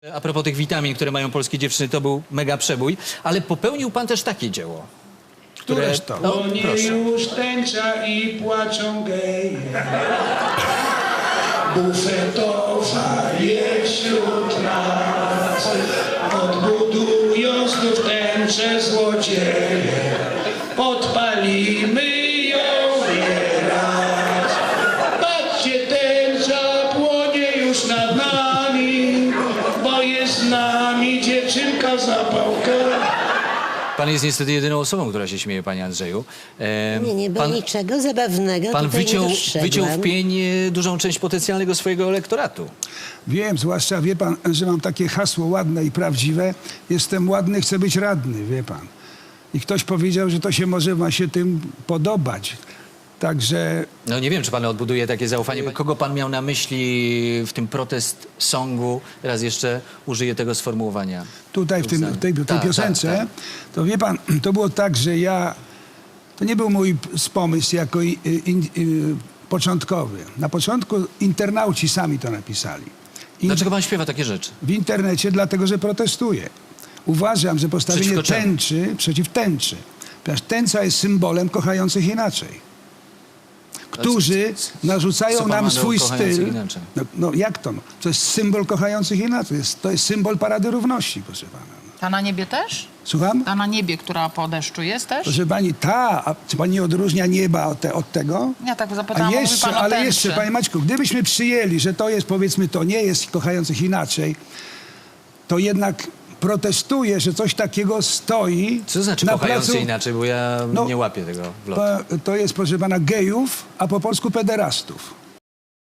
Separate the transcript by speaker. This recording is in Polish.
Speaker 1: A propos tych witamin, które mają polskie dziewczyny, to był mega przebój, ale popełnił pan też takie dzieło.
Speaker 2: Któreż to?
Speaker 1: No,
Speaker 3: Płonie
Speaker 1: proszę.
Speaker 3: już tęcza i płaczą geje. Bufetowa jest wśród nas. Odbudują znów tęczę złodzieje. Podpalimy ją nieraz. Patrzcie, tęcza płonie już nad nami, bo jest z nami dziewczynka zapałka.
Speaker 1: Pan jest niestety jedyną osobą, która się śmieje, panie Andrzeju.
Speaker 4: Nie było niczego zabawnego.
Speaker 1: Pan
Speaker 4: tutaj
Speaker 1: wyciął,
Speaker 4: nie dostrzegłam.
Speaker 1: wyciął w pień dużą część potencjalnego swojego elektoratu.
Speaker 2: Wiem, zwłaszcza wie pan, że mam takie hasło ładne i prawdziwe. Jestem ładny, chcę być radny, wie pan. I ktoś powiedział, że to się może ma się tym podobać. Także
Speaker 1: No nie wiem, czy pan odbuduje takie zaufanie. Kogo pan miał na myśli w tym protest songu? Raz jeszcze użyję tego sformułowania.
Speaker 2: tutaj w tej
Speaker 1: Tak,
Speaker 2: piosence,
Speaker 1: tak.
Speaker 2: to wie pan, to było tak, że to nie był mój pomysł jako początkowy. Na początku internauci sami to napisali.
Speaker 1: Dlaczego pan śpiewa takie rzeczy?
Speaker 2: W internecie, dlatego że protestuję. Uważam, że postawienie
Speaker 1: Przeciwko czemu?
Speaker 2: tęczy przeciw tęczy. Ponieważ tęcza jest symbolem kochających inaczej. Którzy narzucają
Speaker 1: co pan
Speaker 2: nam
Speaker 1: ma do
Speaker 2: swój
Speaker 1: kochających
Speaker 2: styl.
Speaker 1: inaczej?
Speaker 2: No jak to? No? To jest symbol kochających inaczej. To jest symbol Parady Równości, proszę pana.
Speaker 5: Ta na niebie też?
Speaker 2: Słucham?
Speaker 5: Ta na niebie, która po deszczu jest też?
Speaker 2: Proszę pani, a czy pani nie odróżnia nieba od tego?
Speaker 5: Ja tak
Speaker 2: A
Speaker 5: zapytałam, mówi
Speaker 2: jeszcze,
Speaker 5: pan o
Speaker 2: ale
Speaker 5: tęczy.
Speaker 2: jeszcze, panie Maćku, gdybyśmy przyjęli, że to jest, powiedzmy, to nie jest kochających inaczej, to jednak protestuję, że coś takiego stoi
Speaker 1: Co znaczy
Speaker 2: na
Speaker 1: kochający
Speaker 2: placu.
Speaker 1: inaczej, bo ja
Speaker 2: No,
Speaker 1: nie łapię tego w lotu.
Speaker 2: To jest, proszę pana, gejów, a po polsku pederastów.